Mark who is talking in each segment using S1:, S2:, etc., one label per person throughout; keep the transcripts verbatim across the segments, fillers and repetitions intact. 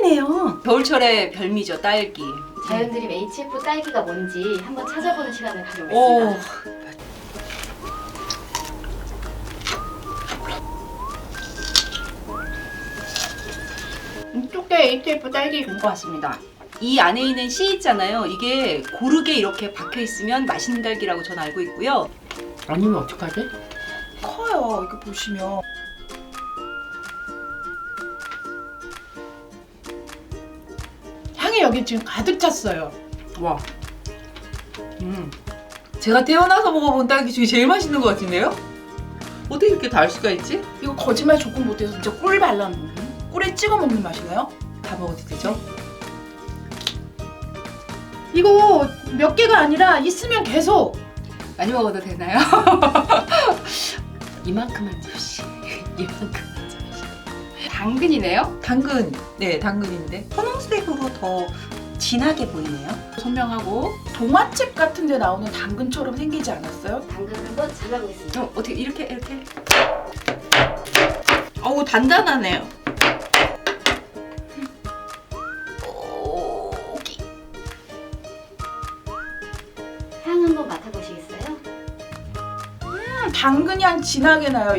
S1: 딸기네요.
S2: 겨울철의 별미죠, 딸기.
S3: 자연드림 에이치에프 딸기가 뭔지 한번 찾아보는 시간을
S2: 오.
S3: 가져보겠습니다.
S1: 이쪽에 에이치에프 딸기인 것 같습니다.
S2: 이 안에 있는 씨 있잖아요. 이게 고르게 이렇게 박혀 있으면 맛있는 딸기라고 저는 알고 있고요.
S1: 아니면 어떡하지? 커요. 이거 보시면. 향이 여기 지금 가득 찼어요.
S4: 와. 음. 제가 태어나서 먹어본 딸기 중에 제일 맛있는 것 같은데요? 어떻게 이렇게 달 수가 있지?
S1: 이거 거짓말 조금 못해서 진짜 꿀 발라 먹는, 꿀에 찍어 먹는 맛이네요.
S4: 다 먹어도 되죠?
S1: 이거 몇 개가 아니라 있으면 계속.
S2: 많이 먹어도 되나요?
S1: 이만큼만 접시. 이만큼만 접시.
S2: 당근이네요.
S4: 당근. 네, 당근인데.
S2: 분홍색으로 더 진하게 보이네요.
S1: 선명하고 동화책 같은 데 나오는 당근처럼 생기지 않았어요?
S3: 당근을 한번 잘라보겠습니다.
S2: 어, 어떻게 이렇게 이렇게?
S4: 어우, 단단하네요.
S3: 향 한번 맡아보시겠어요?
S1: 음, 당근 향 진하게 나요.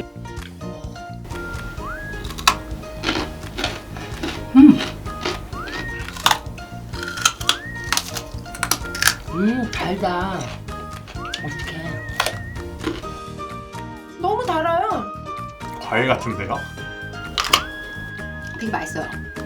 S4: 음, 달다. 어떡해.
S1: 너무 달아요.
S5: 과일 같은데요?
S2: 되게 맛있어요.